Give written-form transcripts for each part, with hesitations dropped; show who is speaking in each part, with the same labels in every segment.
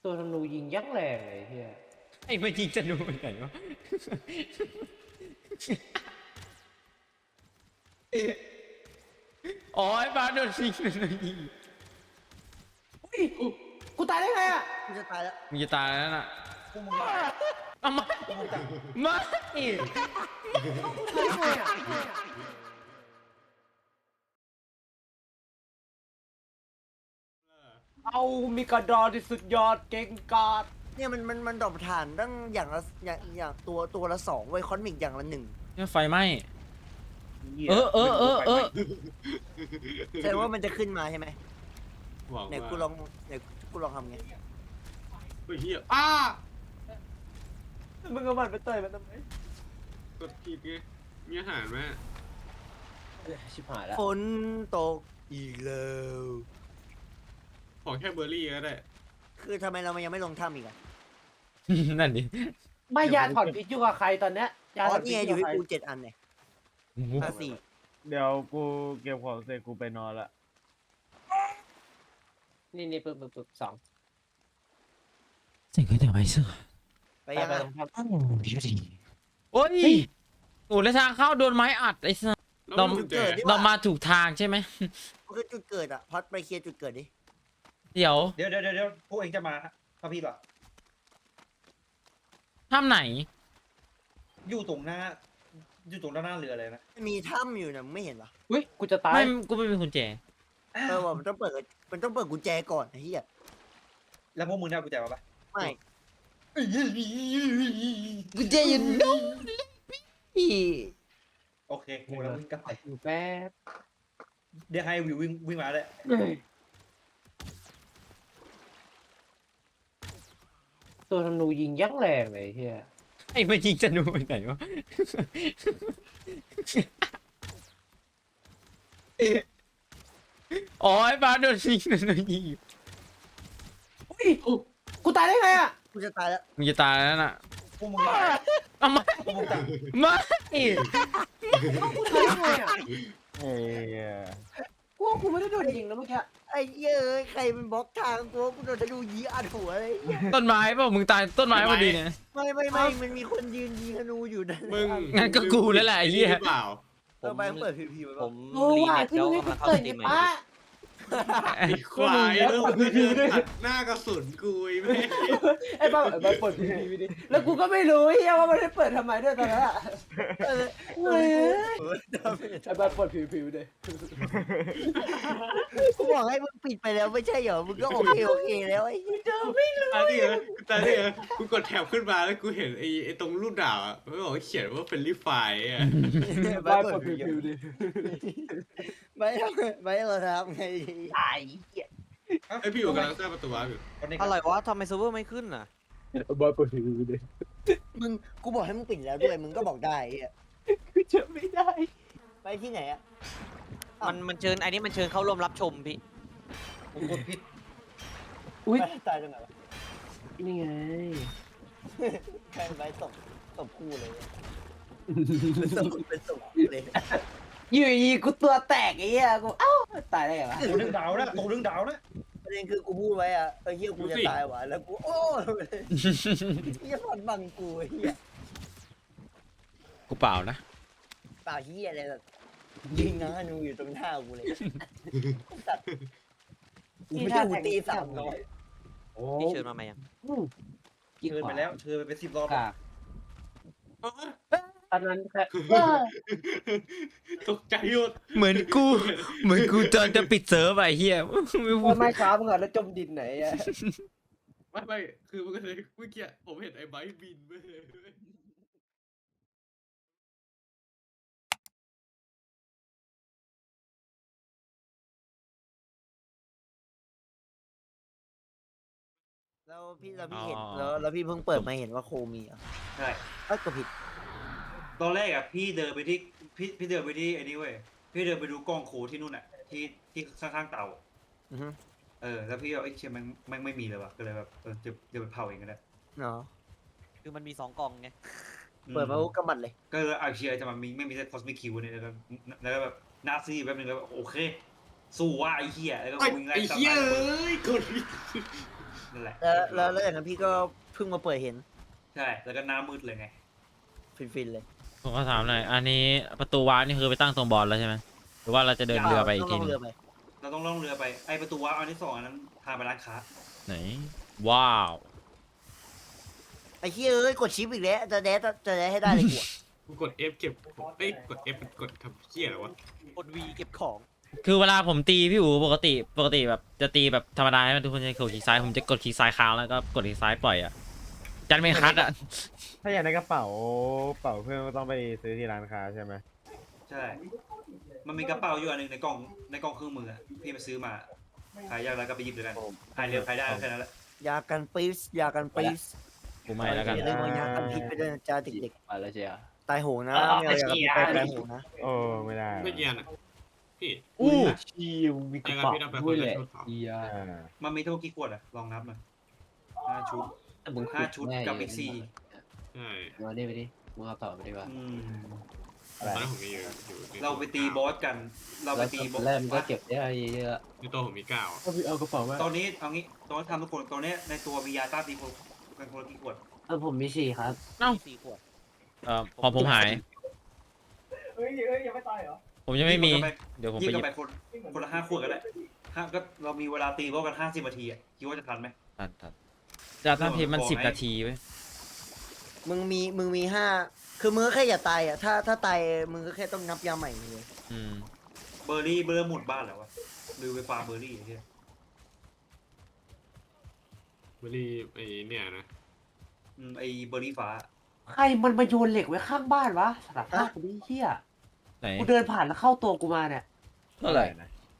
Speaker 1: ตัวธนูยิงยักษ์แรงเลยเฮีย
Speaker 2: ไอ้มันยิงจะดูไปไหนวะอ๋อไอ้บ้าโดนยิงยิง
Speaker 1: อุ้ยกูตายได้ไงอ่ะ
Speaker 3: กูจะตายแล้ว
Speaker 2: มึงจะตายแล้วน่ะ
Speaker 3: พวกมึงมา
Speaker 2: เอามา
Speaker 3: พวกมึงจับ
Speaker 2: มา
Speaker 1: ตายได้ไงอ่ะ เอามีกระดอนที่สุดยอดเก่งกาจ
Speaker 3: เนี่ยมันดรอปฐานตั้งอย่างละอย่างตัวละสองไว้คอนมิกอย่างละหนึ่ง
Speaker 2: เนี่ยไฟไหม้
Speaker 4: หี้ย
Speaker 2: เออ
Speaker 3: แสดงว่ามันจะขึ้นมาใช่ไหม
Speaker 4: หวัง
Speaker 3: ไหน
Speaker 4: ว่า
Speaker 3: กูลองทำไง
Speaker 4: เฮ้ยเฮีย
Speaker 1: มึงเอามันไปเตยมันทำไม
Speaker 4: กดผิดไงมีอาหารไหม
Speaker 1: ชิบหายแล้ว
Speaker 3: ฝนตกอีกแล้ว
Speaker 4: ขอแค่เบอร์รี่ก็ได้
Speaker 3: คือทำไมเรายังไม่ลงถ้ำอีกอะ
Speaker 2: นั่นดิ
Speaker 1: ไม่ยาถอนพิษอยู่กับใครตอนเนี้ยยา
Speaker 3: อ๋
Speaker 1: ถ
Speaker 3: อ
Speaker 1: อนพิ
Speaker 3: นี่
Speaker 1: ษ
Speaker 3: ไง
Speaker 1: อ
Speaker 3: อยู่ ยู่
Speaker 1: กับ
Speaker 3: ที่
Speaker 1: ใคร
Speaker 3: กู7 อันเนี่ย4
Speaker 5: เดี๋ยวกูเก็บของเสร็จกูไปนอนละ
Speaker 1: นี่ปึ๊บสอง
Speaker 2: สิ่งที่ทำไมเสื้อ
Speaker 3: ไปยัง
Speaker 1: ไป
Speaker 3: อะ
Speaker 1: ตรงครับ
Speaker 2: โอ้ยโอ้แล้วทางเข้าโดนไม้อัดไอ้สัส
Speaker 4: แล้วมันกุญแจ
Speaker 2: เรามาถูกทางใช่ไหม
Speaker 3: ก็คือจุดเกิดอะพอดไปเคลียร์จุดเกิดดิ
Speaker 2: เดี๋ยว
Speaker 6: เดี๋ยวพวกเองจะมาพระพี่ป่ะ
Speaker 2: ถ้ำไหน
Speaker 6: อยู่ตรงหน้าด้านหน้าเรือเลยนะ
Speaker 3: มันมีถ้ำอยู่นะมึงไม่เห็นเหรอ
Speaker 1: อุ้ยกูจะตาย
Speaker 2: ไม่กูไม่มีกุญแจ
Speaker 3: ว่ามันต้องเปิดกุญแจก่อนไอ้เหี้ย
Speaker 6: แล้วพวกมึงได้เอากุญแจมาปะ
Speaker 3: ไม่
Speaker 2: กุญแจอยู่นู่น
Speaker 6: โอเคกูแล้ววิ่งกลับไป
Speaker 1: อยู่แป๊บ
Speaker 6: เดี๋ยวให้วิววิ่งมาเลย
Speaker 1: ตัวธนูยิงยักษ์แรงเลยเฮีย
Speaker 2: ไอ้มันยิงจะดูไปไหนวะอ๋อไอ้บ้าโดนยิง
Speaker 1: อุ้ยกูตายได้ไงอ่ะ
Speaker 3: กูจะตายแล้ว
Speaker 2: มึงจะตายแล้วน่ะ
Speaker 6: พวกมึงมา
Speaker 2: เอามา
Speaker 6: พวกมึงจับ
Speaker 2: มา
Speaker 1: กูตายได้ไงอ่ะ
Speaker 5: เอ้ย
Speaker 1: กูว่ากูไม่ได้โดนยิงนะเมื่อกี้
Speaker 3: ไอ้เหี้ยเอ้ยใครมันบล็อกทางกูโดนธนูยีอัดหัวเลย
Speaker 2: ต้นไม้เปล่ามึงตายต้นไม้พอดีเนี่ย
Speaker 3: ไม่มันมีคนยืนยิงธนูอยู่นั่น
Speaker 4: มึง
Speaker 2: งั้นก็กูแล้วแหละไอ้เหี้ย
Speaker 4: หรือเปล่า
Speaker 3: ไปเปิดพีไว้
Speaker 7: ผ
Speaker 3: ป่ะ
Speaker 7: ม
Speaker 1: โอ้
Speaker 7: รี
Speaker 1: ว่า
Speaker 7: เน็ต
Speaker 1: ที่
Speaker 7: แล้ว
Speaker 1: มึง
Speaker 7: กำลังเข้า
Speaker 1: เกิ
Speaker 7: ส
Speaker 1: ด
Speaker 7: ตรี
Speaker 1: เนี่ย
Speaker 7: มใหม่
Speaker 1: ป้า
Speaker 4: ไอ้ควายแล้วมึงก็เดินตัดหน้ากระสุนกูไอ้แม่
Speaker 1: ไอ้บ้าเปิดทีวีดิแล้วกูก็ไม่รู้เฮียว่ามันได้เปิดทำไมด้วยตอนนั้นอ่ะเฮ้ยไอ้บ้าเปิดผิวดิ
Speaker 3: กูบอกให้มึงปิดไปแล้วไม่ใช่เหรอมึงก็โอเคแล้วไอ้เหี้ย
Speaker 4: ตาดิเหรอตาดิเหรอกูกดแถบขึ้นมาแล้วกูเห็นไอ้ตรงรูปดาวอ่ะมันบอกว่าเขียนว่าเป็นรีไฟอ่ะ
Speaker 1: บ้าเปิดผิวดิ
Speaker 3: ไม่เราทำไงตาย
Speaker 4: ไอ้พี่อยู่กำลังสร้างประตูวาร์ปอยู่
Speaker 6: คนนี้
Speaker 7: อะไรวะทำไมเซิร์ฟเวอร์ไม่ขึ้นอ่ะ
Speaker 1: บ้าเปิดผิวดิ
Speaker 3: มึงกูบอกให้มึงปิดแล้วด้วยมึงก็บอกได้ไอ้เหี้ย
Speaker 1: กูจะไม่ได้
Speaker 3: ไปที่ไหนอะ
Speaker 7: มันเชิญไอ้นี่มันเชิญเข้าร่วมรับชมพี่
Speaker 6: ผมกดผิด
Speaker 1: อุ้ย
Speaker 3: ไปตายตรงไหนวะ
Speaker 1: นี่ไง
Speaker 3: ใครไปตบคู่เลยเป็นตบคู่เลย
Speaker 1: อยู่ดีกูตัวแตกไอ้เหี้ยกูเอ้าตายได้ไงวะ
Speaker 6: ตัวเรื่องดาวนะตัวเรื่องดาวนะ
Speaker 3: ประเด็นคือกูพูดไว้อะเฮียกูจะตายว่ะแล้วกูโอ้เฮียพอดบังกูเฮีย
Speaker 2: กูเปล่านะ
Speaker 3: เปล่าเฮียอะไรแบบยิงนะนูอยู่ตรงหน้ากูเลยสัตว์กูไม่ใช่กูตี300
Speaker 6: โอ้
Speaker 7: พี่เชิญมาไหมยัง
Speaker 6: เชิญไปแล้วเชิญไปเป็น10 รอบ
Speaker 1: ค่ะตอนนั้นแค่
Speaker 4: ตกใจหมด
Speaker 2: เหมือนกูตอนจะปิดเซิร์ฟไอ้เหี้ยไม่พู
Speaker 1: ว่า
Speaker 2: ด
Speaker 1: ไม่ช้ามึงอ่ะแล้วจมดินไหนอ่ะ
Speaker 4: ไม่คือมันก็เลยเมื่อกี้ผมเห็นไอ้ไบค์บินไปเลย
Speaker 3: แล้วพี่เห็นแล้วพี่เพิ่งเปิดมาเห็นว่าโคมีอ่ะ
Speaker 6: ใช่
Speaker 3: ก็ผิด
Speaker 6: ตอนแรกอ่ะพี่เดินไปที่พี่เดินไปที่ไอ้นี่เว้ยพี่เดินไปดูกล้องโคที่นู่นอ่ะที่ข้างๆเตา แล้วพี่เอาไอ้เชี่ยมันไม่มีเลยว่ะก็เลยแบบจะไปเผาเองก็ได้
Speaker 3: เนาะ
Speaker 7: คือมันมี2 กล่องไง
Speaker 3: เปิดมาก็บัดเลย
Speaker 6: ก็เลยเอาเชียร์จะมาไม่มีเซตคอสมิคิวเนี่ยแล้วก็แบบนาซีแป๊บนึงแล้วโอเคสู้ว่าไอ้เหี้ยแล้วก็วิ่งไล่
Speaker 4: ไอ้
Speaker 6: ตาม
Speaker 4: เหี้ย
Speaker 6: ไป
Speaker 4: เอ้ยกดผิด
Speaker 6: นั่นแหละ
Speaker 3: แล้วอย่างนั้นพี่ก็เพิ่งมาเปิดเห็น
Speaker 6: ใช่แล้วก็หน้ามืดเลยไง
Speaker 3: ฟินๆเลย
Speaker 2: ผมก็ถามหน่อยอันนี้ประตูวาร์ปนี่คือไปตั้งตรงบอลแล้วใช่ไหมหรือว่าเราจะเดินเรือไปอีกที
Speaker 3: ต้
Speaker 2: นึ
Speaker 3: ง
Speaker 2: ง
Speaker 3: เรือไป
Speaker 6: เราต้องล่องเรือไปไอประตูว้าวอันที่สองอันนั้นพาไปร้านค้า
Speaker 2: ไหนว้าว
Speaker 3: ไอ้เหี้ยเอ้ยกดชิปอีกแล้วจะแดดให้ได้เลยกูอะ
Speaker 4: กูกด F เก็บเอ้ยกด F มันกดทำเหี้ยอะไรวะ
Speaker 7: กดวีเก็บของ
Speaker 2: คือเวลาผมตีพี่อู๋ปกติแบบจะตีแบบธรรมดาให้มันทุกคนจะกดคลิกซ้ายผมจะกดคลิกซ้ายค้างแล้วก็กดคลิกซ้ายปล่อยอ่ะจันไม่คัดอ่ะ
Speaker 5: ถ้าอยากได้กระเป๋าเพื่อนก็ต้องไปซื้อที่ร้านค้าใช่ไหม
Speaker 6: ใช่ มันมีกระเป๋าอยู่อันหนึ่งในกล่องเครื่องมืออะพี่ไปซื้อมาขายยากแล้วก็ไปหยิบเลยกันขายเร็วขายได้แค่นั้นแหละ
Speaker 3: ยากันปีสยากันปีส
Speaker 2: กูไม่แล้วกัน
Speaker 3: อย่าลืมเอายากันพิษไปด้วยนะจ้าเด็ก
Speaker 1: ไปแล้วเชียร์
Speaker 3: ๆตายโหงนะไม่เอายากันพิษไปตายโหงนะ
Speaker 5: โอ้ไม่ได้
Speaker 4: ไม่เยียนอ่ะพี่
Speaker 1: อู้ชิวมีกระเป๋าด้วยแหละเชียร์
Speaker 5: อ่า
Speaker 6: มันมีเท่ากี่ขวดอะลองนับหน่อย5 ชุด
Speaker 1: แต่มึง
Speaker 6: 5 ชุดกับอีก
Speaker 4: ใช่
Speaker 1: มาดิไปดิมึงเอาต่อไปดีกว่า
Speaker 6: 4
Speaker 4: ตอนนั้นผมมีอยู่ใน
Speaker 6: เราไปตีบอสกัน เราไปตีบอส
Speaker 1: แรกมันก็เก็บได้เยอะ
Speaker 4: ในตัวผมมี9อ่ะ
Speaker 1: ก็เอากระเป๋ามา
Speaker 6: ตอนนี้เอางี้ตอนทำทุกคนตอนนี้ในตัวมียาต้านตีคนกันคนละกี่ขวด
Speaker 1: ผมมี4ครับ
Speaker 7: มี4 ขวด
Speaker 2: พอผมหาย
Speaker 8: เฮ้ยยังไม่ตายเหรอ
Speaker 2: ผมยังไม่มี
Speaker 6: ยิง
Speaker 2: เดี๋ยวผม
Speaker 6: ยิง
Speaker 2: ไปห
Speaker 6: กั
Speaker 2: ยิ
Speaker 6: น
Speaker 2: บ
Speaker 6: ไปคนละ5 ขวดก็ได้ก็เรามีเวลาตีบอสกัน50 นาทีอะคิดว่าจะทันไหม
Speaker 2: ทันจะท่านทีมัน10 นาทีเว้ย
Speaker 3: มึงมี5คือมึงก็แค่อย่าตายอ่ะถ้าตายมึงก็แค่ต้องนับยาใหม่เลย
Speaker 2: อืม
Speaker 6: เบอร์รี่หมดบ้านแล้ววะลืมไปฟาร์มเบอร์รี่ไอ้เหี้ย
Speaker 4: ไม่ได้ไอ้เนี่ยนะ
Speaker 6: ไอเบอร์รี่ฟ้า
Speaker 1: ใครมันมาโยนเหล็กไว้ข้างบ้านวะสลับภาพกูดิเฮีย
Speaker 2: ไหน
Speaker 1: กูเดินผ่านแล้วเข้าตัวกูมาเนี่ย
Speaker 2: เท่าไหร่
Speaker 5: นะ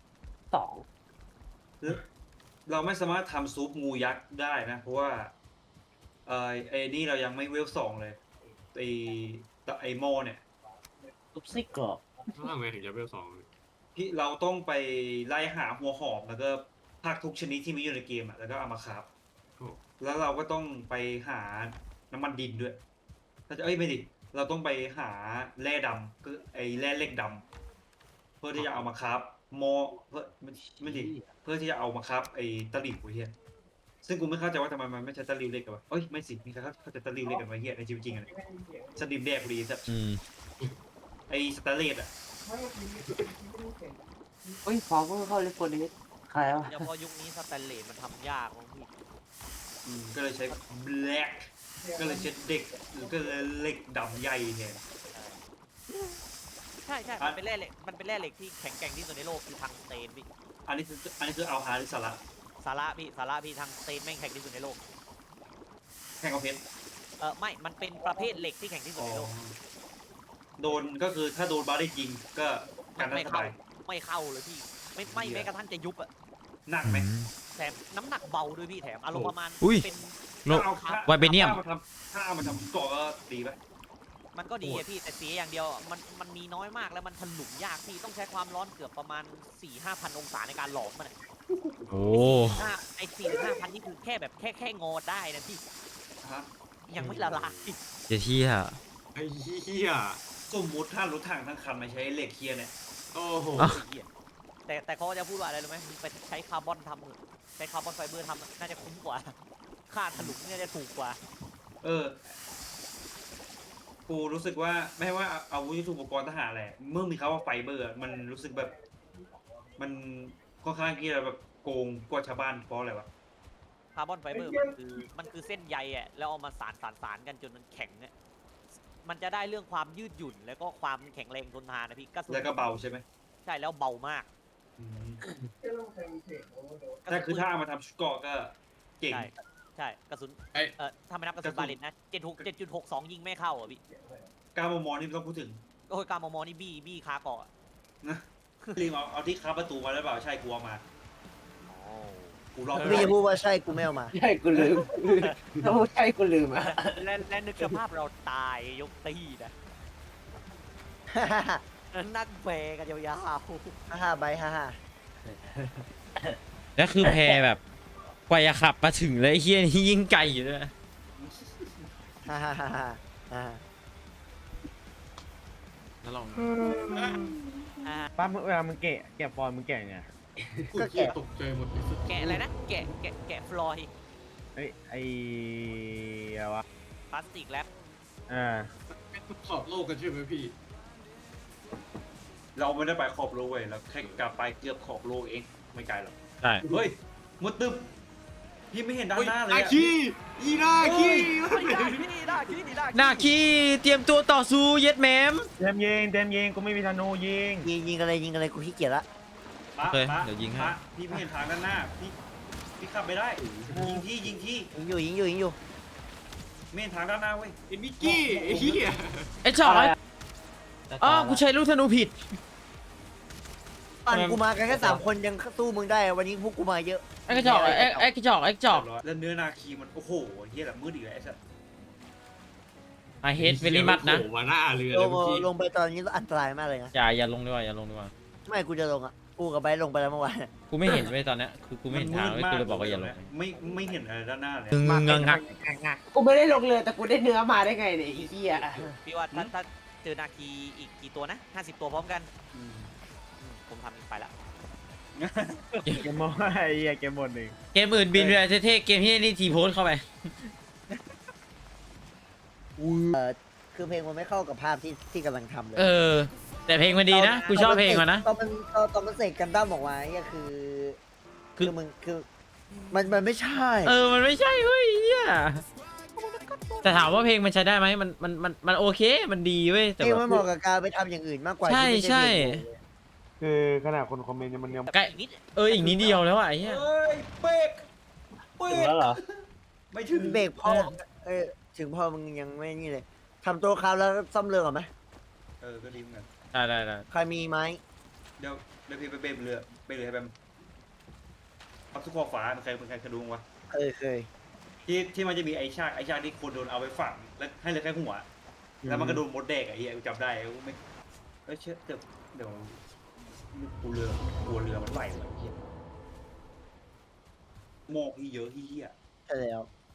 Speaker 1: 2
Speaker 6: เราไม่สามารถทำซุปงูยักษ์ได้นะ เพราะว่าไอ้นี่เรายังไม่เวล2เลยไอโมเนี่ย
Speaker 1: ซุปไส้กรอก
Speaker 4: ต้องทำไงถึงจะเวล2
Speaker 6: พี่เราต้องไปไล่หาหัวหอมแล้วก็ผักทุกชนิดที่มีอยู่ในเกมอ่ะแล้วก็เอามาคราฟแล้วเราก็ต้องไปหาน้ำมันดินด้วยถ้าจะไม่ดิเราต้องไปหาแร่ดำคือไอ้แร่เหล็กดำเพื่อที่จะเอามาคราฟเพื่อไม่ดิเพื่อที่จะเอามาคราฟไอ้ตะหลิวไอ้เหี้ยซึ่งกูไม่เข้าใจว่าทำไมมันไม่ใช่ตะหลิวเล็กกันวะเอ้ยไม่สิมีใครเข้าใจตะหลิวเล็กกันวะเหี้ยในชีวิตจริงอะสลิมแดกกูดีสัส
Speaker 2: อืม
Speaker 6: ไอ้สแตนเลสอ่ะ
Speaker 1: เฮ้ยฟองก็เข้าเลฟโฟนิสใครวะ
Speaker 7: เฉพาะยุคนี้สแตนเลสมันทำยากมั้งพี่
Speaker 6: ก็เลยใช้แบล็กก็เลยใช้เด็กหรือก็เลยเหล็กดำใหญ่เนี่ย
Speaker 7: ใช่มันเป็นแร่เหล็กที่แข็งแกร่งที่สุดในโลกคือทางสเตนพี่
Speaker 6: อันนี้คือเอาหาหรือสาระ
Speaker 7: สาระพี่ทางสเตนแม่งแข็งที่สุดในโลก
Speaker 6: แข่งกับเพชร
Speaker 7: ไม่มันเป็นประเภทเหล็กที่แข็งที่สุดในโลก
Speaker 6: โดนก็คือถ้าโดนบาร์ได้ยิงก็การได้
Speaker 7: ไม่
Speaker 6: ส
Speaker 7: เข้า
Speaker 6: บาย
Speaker 7: ไม่เข้าเลยพี่ไม่แม้กระทั่งจะยุบอะ
Speaker 6: หนักไหม
Speaker 7: แถมน้ำหนักเบาด้วยพี่แถมอารมณ์ประมาณ
Speaker 2: อุ้ย
Speaker 7: เป็น
Speaker 2: โล ไวเบเนียม
Speaker 6: ถ้าเอามาทำก่อก็ดีไหม
Speaker 7: มันก็ดีอะพี่แต่เสียอย่างเดียวมันมีน้อยมากแล้วมันถลุงยากพี่ต้องใช้ความร้อนเกือบประมาณ 4-5,000 องศาในการหลอมมันอะ
Speaker 2: โอ้
Speaker 7: ไอ้4-5,000นี่คือแค่แบบแค่งอได้นะพี่
Speaker 6: ฮะ
Speaker 7: ยังไม่ละลาย
Speaker 2: เดี๋ยวที่อะ
Speaker 4: ไอ้เหี้ย
Speaker 6: สมมุติถ้ารถถังทั้งคันไม่ใช้เหล็กเคียร์เนี่ย
Speaker 4: โอ้โห
Speaker 7: แต่เขาจะพูดว่าอะไรรู้ไหมไปใช้คาร์บอนทำเถอะใช้คาร์บอนไฟเบอร์ทำน่าจะคุ้มกว่า ค่าถลุงเนี่ยจะถูกกว่า
Speaker 6: กูรู้สึกว่าไม่ว่าอาวุธยุทโธปกรณ์ทหารแหละเมื่อมีคำว่าไฟเบอร์มันรู้สึกแบบ มันค่อนข้างที่จะแบบโกงกว่าชาวบ้านเพราะอะไรวะ
Speaker 7: คาร์บอนไฟเบอร์มันคือเส้นใยอ่ะแล้วเอามาสารกันจนมันแข็งเนี่ยมันจะได้เรื่องความยืดหยุ่นแล้วก็ความแข็งแรงทนทานนะพี่กระสุน
Speaker 6: แล้วก็เบาใช่ไหม
Speaker 7: ใช่แล้วเบามาก
Speaker 6: แต่คือถ้าเอามาทำชุดเกราะก็เก่ง
Speaker 7: ใช่กระสุน
Speaker 4: ไอ้
Speaker 7: ถ้าไม่นับกระสุนบาเลนนะ7.62ยิงไม่เข้าอ่ะพี่
Speaker 6: 9 มมนี่ไม่ต้องพูดถึง
Speaker 7: โอ้ยการมอมอนี่บี้คาเกาะอะ
Speaker 6: นะรีบเอาที่ค้าประตูมาแล้วเปล่าใช่กูเอามากูรอบ
Speaker 3: พี่จะพูดว่าใช่กูไม่เอามา
Speaker 1: ใช่กูลืมถ้าพูดใช่กูลืมอ่ะ
Speaker 7: และนึกสภาพเราตายยกตีนะนั่งแบกันยาว
Speaker 3: ฮ่าใบฮ่า
Speaker 2: แล้วคือแพแบบกว่าจะขับมาถึงเลยไอ้เฮียนี่ยิ่งไกลอยู่ด้วย
Speaker 3: ฮ่าฮ่าฮ่าฮ่า
Speaker 4: แล้วลอง
Speaker 5: ป้าเวลามึงแกะฟอนต์มึงแกะไง
Speaker 4: กูเหี้ยตกใจหมดเลย
Speaker 7: ๆแกะอะไรนะแกะฟลอย
Speaker 3: ฟ
Speaker 5: เอ้ยไอ้อะไรวะ
Speaker 7: พลาสติกแรป
Speaker 4: ขอบโลกกันใช่ไหมพี่
Speaker 6: เราไม่ได้ไปขอบโลกเว้ยเราแค่กลับไปเกือบขอบโลกเองไม่ไกลหรอก
Speaker 2: ใช่
Speaker 6: เฮ้ยมุดตึบพี่ไม่เห็นด้านหน้าเลย
Speaker 4: นา
Speaker 6: อะ
Speaker 4: คีอีนาคี
Speaker 2: หน้าขี้เตรียมตัวต่อสู้เย็ดแมม
Speaker 5: เต็มยิงกูไม่มีธนูยิง
Speaker 3: ยิงอะไรกูขี้เกียจละ
Speaker 6: มา
Speaker 2: โอเค
Speaker 6: มา
Speaker 2: เดี๋ยวยิงให้
Speaker 6: มาพี่ไม่เห็นทางด้านหน้าพี่ขับไปได้ยิงที่
Speaker 3: ยิงอยู่
Speaker 6: ไม่เห็นทางด้านหน้าเว้ย
Speaker 4: ไอ้นิกกี้ไอ้เหี้ย
Speaker 2: ไอ้จอยอ๋อกูใช้ลูกธนูผิด
Speaker 3: ปั่นกูมากันแค่3 คนยังสู้มึงได้วันนี้พวกกูมาเยอะ
Speaker 2: ไอ้กระจอกไอ้กระจอกไอ้กระจอก
Speaker 6: แล้วเนื้อนาคีมันโอ้โหเฮียแบบมืดอีกแล้วไอ้สัส
Speaker 2: I hate very much นะ
Speaker 4: โผล่มาหน้าเรือ
Speaker 3: ล
Speaker 4: เลย
Speaker 3: ง
Speaker 4: เมื่อกี้
Speaker 3: ลงไปตอนนี้อันตรายมากเลยนะ
Speaker 2: อย่าลงดีกว่าอย่าลงดีกว่า
Speaker 3: ไม่กูจะลงอ่ะกูกับไบร์ทลงไปแล้วเมื่อวาน
Speaker 2: กูไม่เห็นเว้ยตอนเนี้ยคือกูไม่เห็นทางเว้ยกูเลยบอกว่าอย่าลง
Speaker 6: ไม่เห็นอะไรด้านหน้าเลย
Speaker 2: งงงัก
Speaker 1: กูไม่ได้ลงเรือแต่กูได้เนื้อมาได้ไงเนี่ยไอ้เหี้ย
Speaker 7: พี่ว่าถ้าเจอนาคีอีกกี่ตัวนะ50 ตัวพร้อมกันผมทำไปละ
Speaker 5: เกมหมดไอ้เหี้ยเกมหมดหนึ่ง
Speaker 2: เกมอื่นบินเรือเท่ๆเกมที่นี่ทีโพสเข้าไป
Speaker 3: คือเพลงมันไม่เข้ากับภาพที่กำลังทำเลย
Speaker 2: เออ แต่เพลงมันดีนะกูชอบเพลงมันนะ
Speaker 3: ตอนมันเสกกันด้ามออกมาเนี่ยคือมึงคือมันไม่ใช่
Speaker 2: มันไม่ใช่เว้ยเหี้ยแต่ถามว่าเพลงมันใช้ได้ไหมมันโอเคมันดีเว้ยแต่
Speaker 3: เพลง
Speaker 2: แบ
Speaker 3: มัน
Speaker 2: บ
Speaker 3: เหมาะกับการไปทำอย่างอื่นมากกว่า
Speaker 2: ใช่
Speaker 3: ที่ไม่
Speaker 2: ใช่
Speaker 3: เพลง
Speaker 5: คือขนาดคนคอมเมนต์ยังมันยัง
Speaker 2: ใกล้
Speaker 7: อีกนิด
Speaker 2: อีกนิดเดียวแล้วอ่ะไอ้เหี้ย
Speaker 6: เฮ้ยเบรก
Speaker 5: ถึงแล้วเหรอ
Speaker 6: ไม่ถึง
Speaker 3: เบรกพอถึงพอมึงยังไม่นี่เลยทำตัวคราวแล้วซ่อมเรือก่อนไหม
Speaker 6: ก็ดีเหมือนกัน
Speaker 2: ได้
Speaker 3: ใครมีไม้
Speaker 6: เดี๋ยวพี่ไปเบรกเรือให้แบมเอาทุกขอบฟ้ามันเคยดูมั้งวะ
Speaker 3: เคย
Speaker 6: ที่มันจะมีไอ้ชากที่คนโดนเอาไปฝังแล้วให้เหลือแค่หัวแล้วมันก็โดนมดแดกไอ้เหี้ยกูจำได้กูไม่เชื่อเดี๋ยวกูเรือมันไหววะไอ้เหี้ยโมกพี่เยอะเหี้ย
Speaker 3: ใช่แล้ว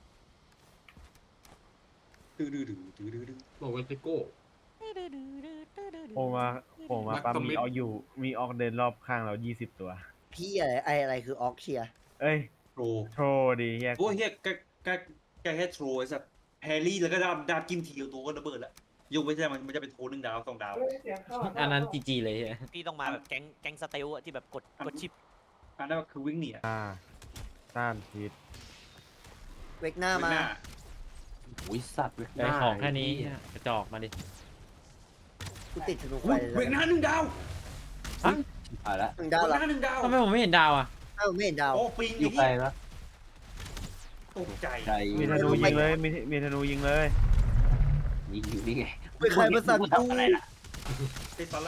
Speaker 6: ดื้อ
Speaker 4: บอกว่าเทโก้
Speaker 5: โผล่มาปั๊มมีออกอยู่มีออกเดินรอบข้างเรา20 ตัว
Speaker 3: พี่อะไรคือออกเชีย
Speaker 5: เอ้ย
Speaker 6: โร
Speaker 5: โทรดีเฮีย
Speaker 6: โอ้เหี้ยแกแค่โทรไอ้สัสแฮร์รี่แล้วก็ดาบกินทีเดียวตัวก็ระเบิดละยกไม่ใช่มันจะเป็นโทร1 ดาว 2 ดาว
Speaker 8: เสียงเข้า
Speaker 2: อันนั้นจีเลยเหี้ย
Speaker 7: พี่ต้องมาแบบแก๊งสเตลอะที่แบบกดชิป
Speaker 6: อันนั้นคือวิ่งหนีอะ
Speaker 5: ต้านพิษ
Speaker 3: เวกหน้ามา
Speaker 6: หน้า
Speaker 1: อุ้ยสัตว์
Speaker 2: ได้ของแค่นี้กระจอกมาดิ
Speaker 3: กูติดธนูไฟ
Speaker 6: เวกหน้า1 ดาว
Speaker 1: ผ่านละ
Speaker 3: 1
Speaker 6: เว
Speaker 3: ดาว
Speaker 6: ก
Speaker 3: เหรอ
Speaker 6: หน้า1 ดาว
Speaker 2: ทำไมผมไม่เห็นดาวอ่ะ
Speaker 3: ไม่เห็นดาว
Speaker 6: โอ้ปิง
Speaker 1: อยู่ไกลปะ
Speaker 6: ตกใจ
Speaker 1: ไกล
Speaker 5: มีธนูยิงเลยมีธนูยิงเลย
Speaker 1: ยิงอยู่นี่ไง
Speaker 3: ไม่ใครมาสั่งกู
Speaker 1: อะไรล่ะ
Speaker 6: ติดตอนละ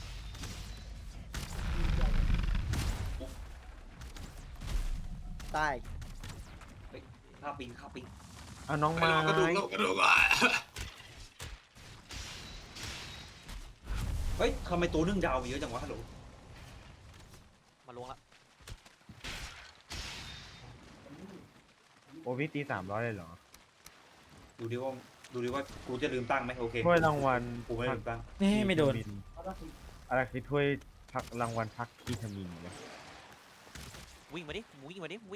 Speaker 3: ตาย
Speaker 6: ข้าปิง
Speaker 5: เอาน้อง
Speaker 4: ไป
Speaker 5: มา
Speaker 4: ลองกระดูกอ่ะ
Speaker 6: เฮ้ยทำไมตัว1 ดาวมีเยอะจังวะฮัลโหล
Speaker 7: มาลงละ
Speaker 5: โอ้พี่ตี300เลยเหรอ
Speaker 6: ดูดิว่ากูจะลืมตั้งไหมโอเค
Speaker 5: ถ้วยรางวัล
Speaker 6: กูไม่ลืมตั้ง
Speaker 2: ไม่โดน
Speaker 5: อะไรคือถ้วยพักรางวัลพักคีทามินเนี่ย
Speaker 7: วิ่งมาดิ
Speaker 4: อุ้ย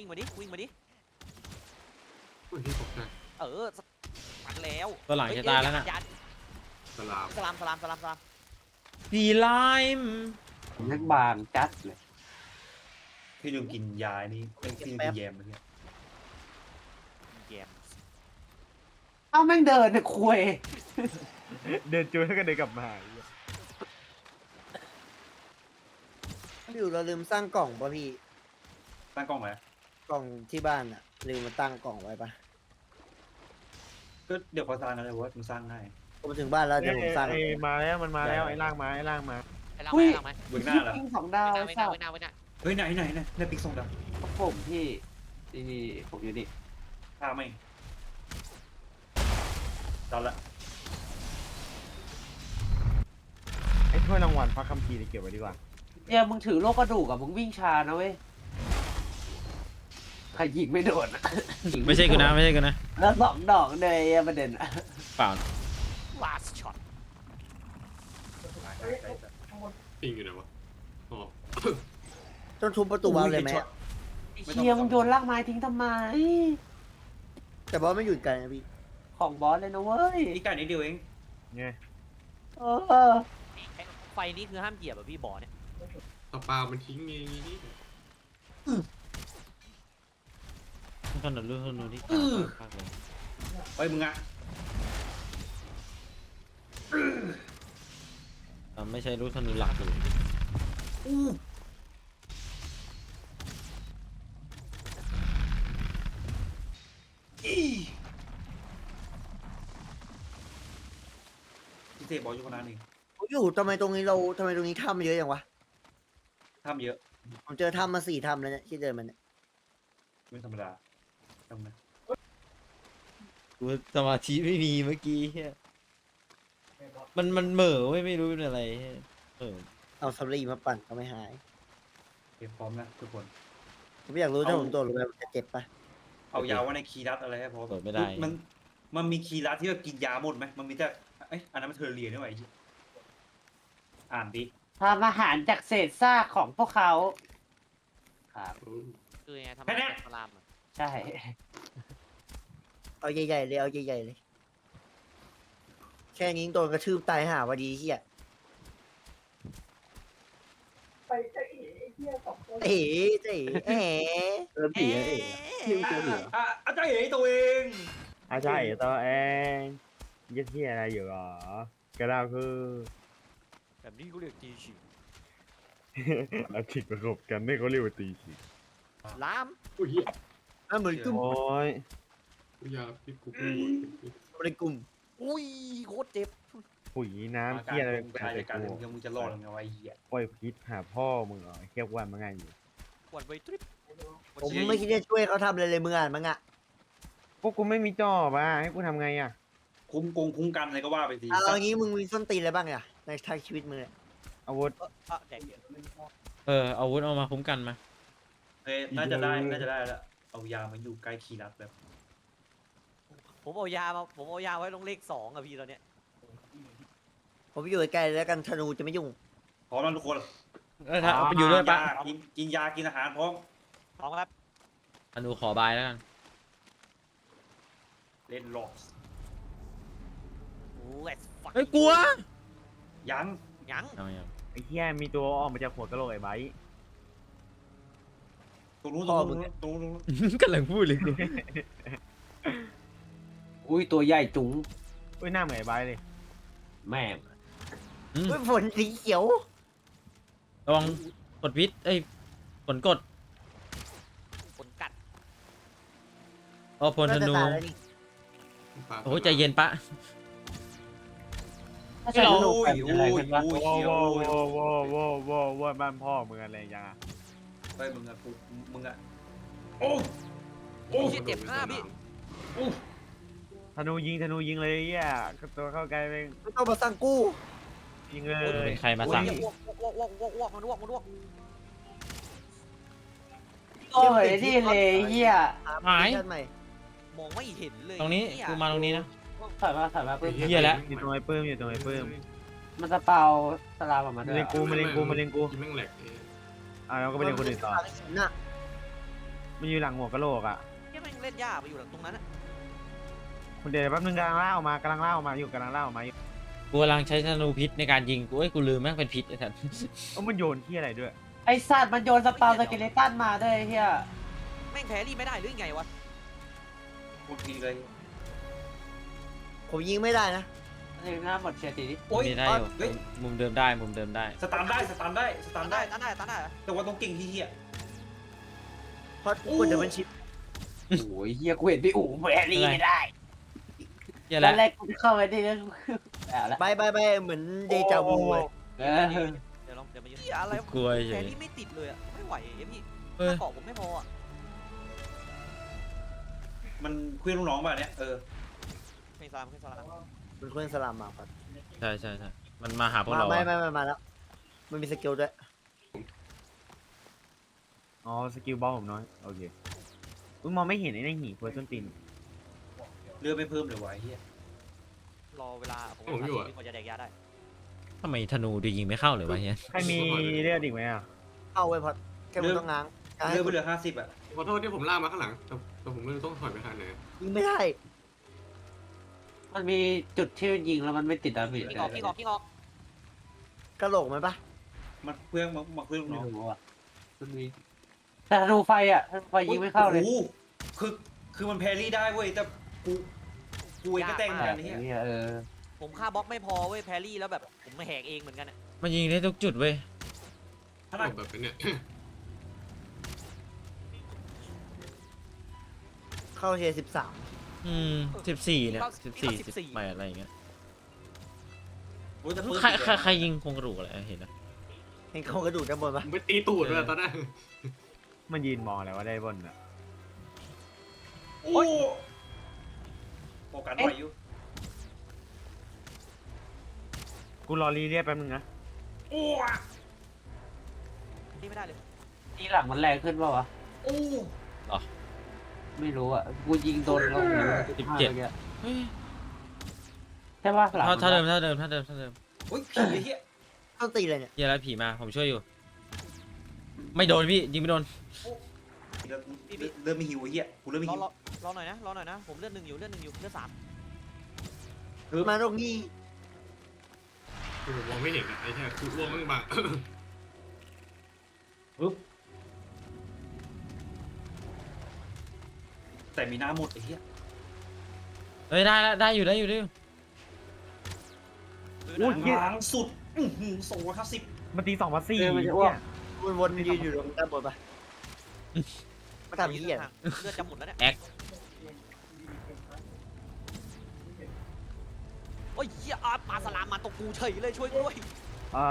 Speaker 4: ที่ตกใจ
Speaker 7: ปัดแล้ว
Speaker 2: ตัวหลังจะตายแล้วน่ะ
Speaker 4: สลาม
Speaker 7: สลาม
Speaker 2: ดีไลม์
Speaker 1: นักบางจัดเลย
Speaker 6: พี่ลืมกินยานี่พี่ลืมกินแยมเมื่อกี้
Speaker 7: แยม
Speaker 1: เอ้าแม่งเดินเนี่ยคุย
Speaker 5: เดินจูแล้วก็เดินกลับมา
Speaker 3: พี่อยู่เราลืมสร้างกล่องป่ะพี่
Speaker 6: ตั้งกล้องไหม
Speaker 3: กล่องที่บ้านอ่ะลืมมาตั้งกล่องไว้ป่ะ
Speaker 6: ก็เดี๋ยวเขาสร้างกันเลยว่ามันสร้างง่าย
Speaker 3: ผมถึงบ้านแล้วเดี๋ยวผมสร้าง
Speaker 5: มาแล้วมันมาแล้วไอ้ล่างมา
Speaker 7: ไปล่างไหม
Speaker 6: เวกหน้าเหรอ
Speaker 1: ปิ้ง2 ดาวสัตว์
Speaker 6: เฮ้ยไหนปิงส่งดาว
Speaker 1: ผมพี่ที่ผมอยู่นี่
Speaker 6: ฆ่าไม่ตอนละ
Speaker 5: ไอ้ถ้วยรางวัลพักคัมภีร์นี่เก็บไว้ดีกว่า
Speaker 1: เนี่ยมึงถือโลกกระดูกอะมึงวิ่งช้านะเว้ยใครยิงไม่โดนอะ
Speaker 2: ไม่ใช่กูนะ
Speaker 1: แล้ว2 ดอกเลยประเด็นอะ
Speaker 2: เปล่า
Speaker 7: ลาสช็อต
Speaker 4: ปิงอยู่ไหนวะอ๋อ
Speaker 3: ต้องทุบประตูวาล์วเลยไหม
Speaker 1: เชียมึงโยนลากไม้ทิ้งทำไม
Speaker 3: แต่บอสไม่หยุดกันนะพี่
Speaker 1: ของบอสเลยนะเว้ย
Speaker 6: อีกไก่นิดเดียวเอง
Speaker 5: ไง
Speaker 1: เออ
Speaker 7: ไฟนี้คือห้ามเหยียบอะพี่บ่อเนี่ย
Speaker 4: ต่อปลามันทิ้งไงนี่
Speaker 2: ขนาดลูกธนูที่กากเลย
Speaker 6: เฮ้ยมึงอะ
Speaker 2: ไม่ใช่ลูกธนูหลักเลย
Speaker 6: พี่เสกบอกอยู่คนนั้นเอง
Speaker 3: อยู่ทำไมตรงนี้ถ้ำเยอะอย่างวะ
Speaker 6: ทำเยอะ
Speaker 3: ผมเจอถ้ำมา4ถ้ำแล้วเนี่ยที่เดินมันเนี่ย
Speaker 6: ไม่ธรรมดาทำไม
Speaker 2: กูสมาธิไม่มีเมื่อกี้เฮียมันเหม่อไม่รู้เป็นอะไรเหี้ย
Speaker 3: เอาสำลีมาปั่นก็ไม่หาย
Speaker 6: เก็บพร้อมนะทุกคน
Speaker 3: ผมอยากรู้ถ้าผมโดดลงไปมันจะเจ็บปะ
Speaker 6: เอายาไว้ในคีย์รัดอะไรให้พร้อม
Speaker 2: โดดไม่ได้
Speaker 6: มันมีคีย์รัดที่แบบกินยาหมดไหมมันมีแต่เอ้ยอันนั้นมันเทอร์เรียนี่หว่าไอ้เหี้ยอ่านดิ
Speaker 1: ทำอาหารจากเศษซากของพวกเขา ครับ
Speaker 7: คือไงทำไมเป็นพลามอะ
Speaker 1: ใช่
Speaker 3: เอาใหญ่ๆเลยเอาใหญ่ๆเลย แค่นี้โดนกระทืบตายห่าวะดีเฮีย
Speaker 8: ไปจะเอ๋เหี้ยสองคน
Speaker 3: เอ๋เอ๋เอ๋
Speaker 1: เออผีเอ๋พี่เจอผี
Speaker 6: อาจารย์เอ๋ตัวเอง
Speaker 5: อาใช่ตัวเองยึดที่อะไรอยู่หรอ ก็เราคือ
Speaker 7: แบบนี้กูเรียกจีชิว
Speaker 5: เราถิกประกบกันนี่เขาเรียกว่าตีฉีก
Speaker 7: ล้าม
Speaker 4: อุ้ย
Speaker 3: มันเหมือนกลุ่ม
Speaker 5: โอ้ย
Speaker 4: ยาพี่กู
Speaker 3: ในกลุ่ม
Speaker 7: อุ้ยโคตรเจ็บ
Speaker 5: ปุ๋ยน้ำเที่ยอะไร
Speaker 6: กา
Speaker 5: แต่
Speaker 6: รการ
Speaker 5: กู
Speaker 6: มึงจะรอดยังไงวะไอ้เหี้ย
Speaker 5: ปล่อยพิษหาพ่อมึงเหรอเทียบวันมันไงอยู่
Speaker 7: ปวดไวทริป
Speaker 3: ผมไม่คิดจะช่วยเขาทำอะไรเลยมึงอ่านมั้งอ่ะ
Speaker 5: พวกกูไม่มีจ่อป่ะให้กูทำไงอ่ะ
Speaker 6: คุ้มกันอะไรก็ว่าไปสิ
Speaker 3: เอางี้มึงมีส้นตีนอะไรบ้างอ่ะในทางชีวิตมึงเนี่ย
Speaker 5: อาวุธ
Speaker 7: แดกเยอะ
Speaker 2: อาวุธเอามาคุ้มกันมา
Speaker 6: เฮ้ยน่าจะได้แล้วเอายามาอยู่ใกล้คีย์รัดแบบ
Speaker 7: ผมเอายาไว้ลงเลข2อะพี่ตอนเนี้ย
Speaker 3: ผมอยู่ใกล้ๆแล้วกันธนูจะไม่ยุ่ง
Speaker 6: พร้อมแล้วทุกคน
Speaker 2: ถ้าไปอยู่ด้วยปะ
Speaker 6: กินยากินอาหารพร้อม
Speaker 7: พร้อมครับ
Speaker 2: ธนูขอบายแล้วกัน
Speaker 6: เล่นล็อก
Speaker 7: Let's fuck
Speaker 2: เฮ้ยกลัว
Speaker 6: ยัง
Speaker 7: ยัง
Speaker 2: เอาอย่าง
Speaker 5: ไอ้เที่ยมีตัวออกมาจากหัวกะโหลกไอ้ไบร์ท
Speaker 6: ตรงนู้นตรงนู้น
Speaker 2: กำลังพูดเลยกู
Speaker 1: อุ้ยตัวใหญ่จุ๋ง
Speaker 5: อุ้ยหน้าเหมือนไอ้ไบร์ทเลย
Speaker 1: แม่ง
Speaker 3: เฮ้ยฝนสีเขียว
Speaker 2: ระวังกดพิษผลกด
Speaker 7: คนกัด
Speaker 2: พลธนู
Speaker 3: น่าจะตายแล้วนี่
Speaker 2: โอ้ใจเย็นปะ
Speaker 1: ถ้าใช้ลูกแบบอะไรกันวะ
Speaker 5: ว้าวว้าวว้าวว้าวว้าวว้าวบ้านพ่อมึงอะไรยังอ่ะ
Speaker 6: ไปมึงอะมึงอะ
Speaker 7: โอ้ยเจ็บหน้าพี่
Speaker 5: ธนูยิงเลยเหี้ยตัวเข้าใกล้ไป
Speaker 3: ไม่ต้องมาสั่งกู้
Speaker 5: ยิงเลย
Speaker 2: เป็นใครมาสั่ง
Speaker 7: อ้วกมันอ้วก
Speaker 1: โอ้ยนี่เลยเฮีย
Speaker 2: หาย
Speaker 3: เวอร์ชันใหม่
Speaker 7: มองไม่เห็นเลย
Speaker 2: ตรงนี้
Speaker 7: เหี้ย
Speaker 2: กูมาตรงนี้นะ
Speaker 1: ถอยมาเพิ่ม
Speaker 2: เหี้ยแล้ว
Speaker 5: อยู่ตรงไอ้ปื้มอยู่ตรงไอ้ปื้ม
Speaker 1: มันจะเป่าสลามออกมา
Speaker 5: มา
Speaker 1: ด้วย
Speaker 5: เล่นกูมาเล่นกูมาเล่นกู
Speaker 4: กินแม่งแหลก
Speaker 5: อ่ะเราก็ไปเล่นคนอื่นต่อ
Speaker 3: น่ะ
Speaker 5: มันอยู่หลังหัวกะโหลกอ่ะ
Speaker 7: แค่แม่งเล่นยากไปอยู่หลังตรงนั้นอะ
Speaker 5: คุณเดี๋ยวแป๊บนึงกำลังล่าออกมากำลังล่าออกมาอยู่กำลังล่าออกมาอยู่
Speaker 2: กูกำลังใช้ธนูพิษในการยิงกูลืมแม่งเป็นพิษไอ้สัส
Speaker 5: มันโยนที่อะไรด้วย
Speaker 1: ไอสัตว์มันโยนสเปาสเกเลตันมาด้วยเฮีย
Speaker 7: แม่งแพ้รีไม่ได้หรือไงวะ
Speaker 6: พูดทีเลย
Speaker 3: ผมยิงไม่ได้นะ
Speaker 1: นี่หน้าหมดเชียร์ตีดิ
Speaker 6: โอ้ย
Speaker 2: มีได้อยู่
Speaker 6: เฮ้ย
Speaker 2: มุมเดิมได้มุมเดิมได้
Speaker 6: สตาร์ทได้
Speaker 7: ตันได้
Speaker 6: แต่ว่าต้องเก่งที่เหี้ย
Speaker 3: เพราะกูเดี๋ยวมันชิป
Speaker 1: โอ้ยเฮียกูเห็นพี่อู๋แพ้รีไม่ได้
Speaker 2: เหี้ย
Speaker 1: ต
Speaker 2: แล้
Speaker 1: อ
Speaker 2: วน
Speaker 1: แรกกูเข้าไปได้แล้วแล้ว
Speaker 3: ไปเหมือนเดจาวูเลย
Speaker 7: เดี๋ยวมายืนอะไร
Speaker 2: กลัวเฉ
Speaker 7: แพ้
Speaker 2: ย
Speaker 7: รีไม่ติดเลยอะไม่ไหวเอ็มพี่
Speaker 2: เออ
Speaker 7: เกาะผมไม่พออะ
Speaker 6: มันเคลื่อนลูกน้องป่ะเนี่ย
Speaker 7: เพลงสลาม
Speaker 3: เป็นเครื่องสลามมาครับ
Speaker 2: ใช่มันมาหาพวกเรา
Speaker 3: ไม่
Speaker 2: อะ
Speaker 3: มาแล้ว มันมีสกิลด้วย
Speaker 5: อ๋อสกิลบอลผมน้อยโอเคอุ้ยมองไม่เห็นไอ้นี่หีเพื่อต้นตีน
Speaker 6: เรือไม่เพิ่มเลยวะไอ้เหี้ย
Speaker 7: รอเวลาผมกว่าจะแดกยาได้
Speaker 2: ทำไมธนูดูยิงไม่เข้าเลยวะเฮีย
Speaker 5: ใครมีเลือดอีกไหมอ่ะ
Speaker 3: เอาไว้พอแค่มึงต้องง้าง
Speaker 6: เรือไปเหลือ50อะ
Speaker 4: ขอโทษที่ผมลากมาข้างหลังแต่ผมไม่รู้ต้องถอยไปทางไหน
Speaker 3: ยิงไม่ได้
Speaker 1: มันมีจุดที่ยิงแล้วมันไม่ติดดาเมจ
Speaker 7: พี่ออกพี่ออกพี่ออก
Speaker 3: กระโหลกมันปะ
Speaker 6: มันเพื่อนมาเพื่อน
Speaker 1: ไม่
Speaker 6: น้อง
Speaker 1: รู้อ่ะมันมีแต่ธนูไฟอ่ะธนูไฟยิงไม่เข้าเลย
Speaker 6: โอ้โหคือมันแพรรี่ได้เว้ยแต่กูเองก็แต่งเหมือนกันไอ้เหี้ย
Speaker 1: เนี่ย
Speaker 7: ผมฆ่าบล็อกไม่พอเว้ยแพรรี่แล้วแบบผมมาแหกเองเหมือนกันอะ
Speaker 2: มันยิงได้ทุกจุดเว้ย
Speaker 4: ถ้าเราแบบเป็นเนี่ย
Speaker 3: เข้าเทียร์13
Speaker 2: 14เนี่ย14 18อะไรอย่างเงี้ย
Speaker 6: โอ้ยแต่ปืน
Speaker 2: ใครยิงโครงกระดูกอะไรเห็นนะ
Speaker 3: เห็นโครงกระดูกด้านบนปะ
Speaker 4: ผมไปตีตูดเลยตอนนั้น
Speaker 5: มันยืนมองอะไรว่าได้บนอ่ะ
Speaker 6: โอ้โฟกัสไว้อยู่
Speaker 5: กูรอรีเรียกแป๊บนึงนะ
Speaker 6: โอ้
Speaker 7: ที่ไม่ได้เลย
Speaker 1: ทีหลังมันแรงขึ้นเปล่าวะ
Speaker 6: โอ้
Speaker 1: ไม่รู้อ่ะกูยิงโดนแล้ว
Speaker 2: เฮ้ย
Speaker 1: ใช่ป่ะหลัง
Speaker 2: เท่าเดิม
Speaker 6: โอ้ยผีไอ้เหี้ย
Speaker 3: ต้องตีเลยเนี่ย
Speaker 2: เหี้ยแล้วผีมาผมช่วยอยู่ ไม่โดนพี่ยิงไม่โดน
Speaker 6: เริ่มไม่หิวไอ้เหี้ยกูเริ่มไม่
Speaker 7: รอ
Speaker 6: หิว
Speaker 7: รอหน่อยนะรอหน่อยนะผมเลือด1อยู่เลือด1อยู่เลือด3
Speaker 3: มาตรงนี้
Speaker 4: คือผมมองไม่เห็นอะไอ้แค่คืออ้วงมึงบัง
Speaker 6: แต่มีหน้าหมดไอ้เหี้ย
Speaker 2: เฮ้ยได้อยู่
Speaker 5: อุ้ยเหี้ย
Speaker 6: ล้างสุด250
Speaker 5: มันตี2 มา 4
Speaker 1: มันจะอ้วก
Speaker 3: วนๆยืนอยู่ตรงด้านบนปะมาทำเหี้ย
Speaker 7: เลือดจะหมดแล้วเนี่ย
Speaker 2: แอค
Speaker 7: โอ้ยเหี้ยปลาสลามมาตกกูเฉยเลยช่วยกูด้วย
Speaker 5: อ่า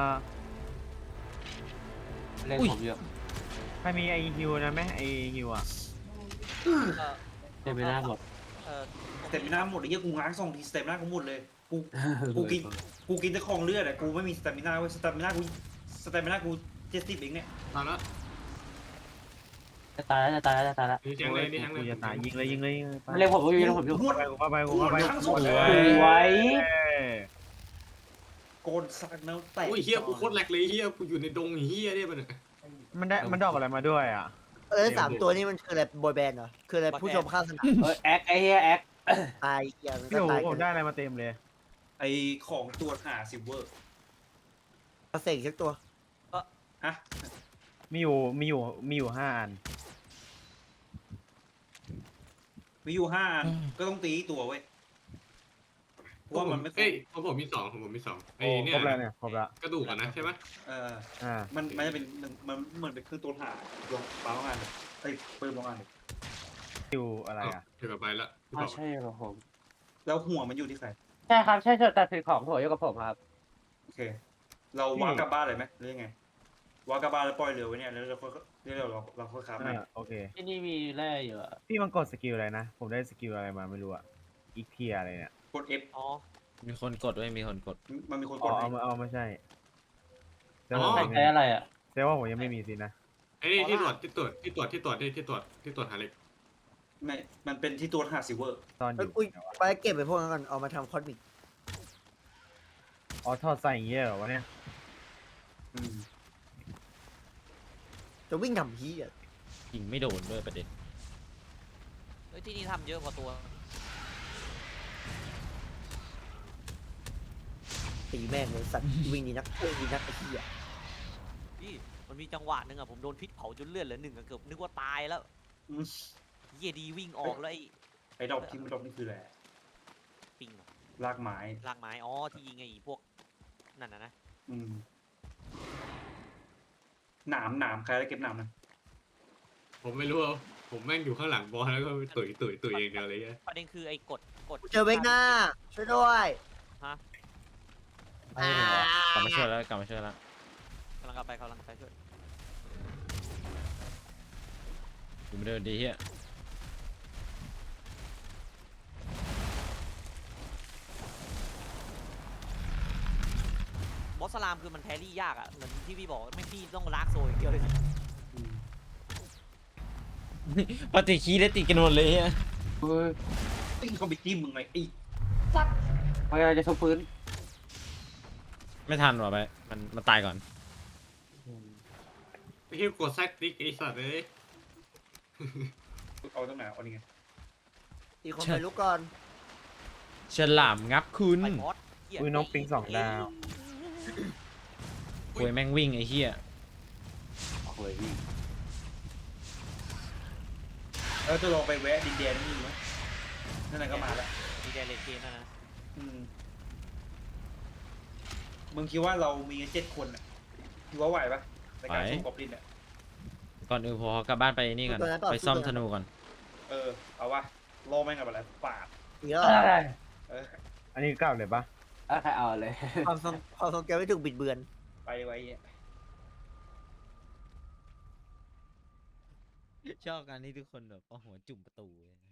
Speaker 1: เล่นผมเยอะ
Speaker 5: ใครมีไอฮิวนะไหมไอฮิวอ่ะ
Speaker 1: เต็มไปหน้าหมด
Speaker 6: แต่มีหน้าหมดไอ้เหี้ยกูง้าง2 ทีสเต็ปหน้ากูหมดเลยกูกินแต่ของเลือดอะกูไม่มีสเตมิน่าเว้ยสเตมิน่ากู70เองเนี่ย
Speaker 4: ตอนนั้น
Speaker 1: จะตายแล้ว
Speaker 4: นี่แทงเลยนี่แทงเล
Speaker 5: กู
Speaker 4: ย
Speaker 5: จะตายยิงเลยไป
Speaker 1: มันเล่นผมอยู่เล่นผมอยู่
Speaker 6: หมด
Speaker 5: กูเข้าไป
Speaker 6: ทั้งสอง
Speaker 5: ส
Speaker 6: เล
Speaker 5: วย
Speaker 6: ย
Speaker 1: ไว้
Speaker 6: โกนสักแนวแตก
Speaker 4: โอ้ยเฮียกูโคตรแหลกเลยเฮียกูอยู่ในดงเฮียเนี่ยมัน
Speaker 5: มันดอกอะไรมาด้วยอ่ะ
Speaker 3: 3 ตัวนี้มันคืออะไรบอยแบนด์เหรอคืออะไรผู้ชมข้างสนาม
Speaker 1: แอคไอ้เหี้ยแอค
Speaker 3: ตายเหี้ยมัน
Speaker 5: พี่
Speaker 3: ก็
Speaker 5: โอ้
Speaker 3: ตาย
Speaker 5: ผ
Speaker 3: กั
Speaker 5: ม
Speaker 3: น
Speaker 5: ได้อะไรมาเต็มเลย
Speaker 6: ไอของตัวหาซิลเวอร์
Speaker 3: เอาเสกสักตัว
Speaker 6: ฮะ
Speaker 5: มีอยู่5 อัน
Speaker 6: มีอยู่5 อันก็ต้องตีตัวเว้ยเพราะว่ามันไม่
Speaker 4: เอ้ยของผมมี2ไอ้
Speaker 5: โอ้
Speaker 4: เนี่
Speaker 5: คร
Speaker 4: ย
Speaker 5: บแล้วเนี่ยครบแล้ว
Speaker 4: กระดูกอะนะใช่ไหม
Speaker 5: อ่า
Speaker 6: มันจะเป็นมันเหมือนเป็นเครื่องตัวหาลงเปล่างานเอ้ยเปิดลงงาน
Speaker 5: ฮิวอะไรอ่ะ
Speaker 4: เดี๋ยวไปละ
Speaker 1: ไม่ใช่หรอผม
Speaker 6: แล้วหัวมันอยู่ที่ใคร
Speaker 1: ใช่ครับใช่แต่ถือของผมอยู่กับผมครับ
Speaker 6: โอเค เราวางกลับบ้านเลยไหมหรือยังไงวางกลับบ้านแล้วปล่อยเรือไว้เนี่ยแล้วเราค่อยขับ
Speaker 5: โอเค
Speaker 1: ที่นี่มีแร่อยู่อะ
Speaker 5: พี่มันกดสกิลอะไรนะ ผมได้สกิลอะไรมาไม่รู้อ่ะ อีกเทียอะไรเนี่ย
Speaker 6: กด F
Speaker 7: อ๋อ
Speaker 2: มีคนกดด้วยมีคนกด
Speaker 6: มันมีคน
Speaker 5: อ๋
Speaker 6: ก
Speaker 5: อ
Speaker 6: ดให้
Speaker 5: เอามาใช่แต่
Speaker 1: ใครใช้อะไรอ่ะ
Speaker 5: ว่าผมยังไม่มีสินะ
Speaker 4: ไอ้นี่ที่ตรวจหาเล็ก
Speaker 6: ไม่มันเป็นที่ตัวหาซิลเวอร์
Speaker 5: ตอนอ
Speaker 3: เอ้ย
Speaker 5: ยู่
Speaker 3: อุ้ยไปเก็บไปพวกนั้นก่อนเอามาทำคอสมิก
Speaker 5: อ๋อทอดใส่อย่างเงี้ยเหรอวะเนี่ย
Speaker 3: จะวิ่งทำเหี้ย
Speaker 2: ยิงไม่โดนด้วยประเด็น
Speaker 7: เฮ้ยที่นี่ทำเยอะกว่าตัว
Speaker 3: ตีแม่งเลยสัตว์วิ่งดีนักไอ้เหี้ย
Speaker 7: พี่มันมีจังหวะหนึ่งอะผมโดนพิษเผาจนเลือดเหลือ1อะเกือบนึกว่าตายแล้วเหี้ยดีวิ่งออกแล้ว
Speaker 6: ไอ้ดอกที่มันดอกนี่คืออะไร
Speaker 7: ปิงเหรอ
Speaker 6: รากไม้
Speaker 7: ลากไม้อ๋อที่ยิงไอ้พวกนั่นนะ
Speaker 6: หนามใครได้เก็บหนามนะ
Speaker 4: ผมไม่รู้ผมแม่งอยู่ข้างหลังบอลแล้วก็ตุ๋ยเองเดียวเลย
Speaker 7: ประเด็นคือไอ้กด
Speaker 3: เจอเวกหน้าช่วยด้วย
Speaker 2: กลับมาช่วยแล้ว
Speaker 7: กำลังไปช่วย
Speaker 2: อยู่ไม่เดินดีเฮีย
Speaker 7: บอสสลามคือมันแพรี่ยากอะเหมือนที่พี่บอกไม่พี่ต้องลากโซอย่างเดียวเลย
Speaker 2: ปฏิคีได้ติดกันหมดเลยเฮีย
Speaker 1: เฮ้ย
Speaker 6: ปิ้งเขาไปจิ้มมึงไงไอ้
Speaker 1: พยายามจะทุบพื้น
Speaker 2: ไม่ทันว่ะไปมันตายก่อน
Speaker 4: ไม่ใช่กดแซกติ๊กไอ้สัตว์เลย
Speaker 6: เอาตรงไหนเอานี่ไง
Speaker 3: อีกคนไปลุกก่อน
Speaker 2: ฉลามงับคุณ
Speaker 7: ไปมอสเหี้ย
Speaker 5: อุ้ยน้องปิง2 ดาว
Speaker 2: ป่วยแม่งวิ่งไอ้เหี้ย
Speaker 1: โอ้ยพี่
Speaker 6: จะลองไปแวะดินแดนนี่มั้ยนั่นก็มาแล้ว
Speaker 7: ดีแดนเลนเกนนะ
Speaker 6: มึงคิดว่าเรามีกัน7 คนอ่ะคิดว่าไหวปะในการสู้กอบลินอ่ะ
Speaker 2: ก่อนอื่นผมขอกลับบ้านไปนี่ก่อนไปซ่อมธนูก่อน
Speaker 6: เอาวะรอแม่งกับอะไรปาด
Speaker 3: เยอะ
Speaker 1: อะไร
Speaker 5: อันนี้เก่าเลยปะ
Speaker 1: ใครเอาเลย
Speaker 3: ความทรงแกไม่ถูกบิดเบือน
Speaker 6: ไปไว้เนี่ย
Speaker 2: ชอบการที่ทุกคนแบบเอาหัวจุ่มประตูเลย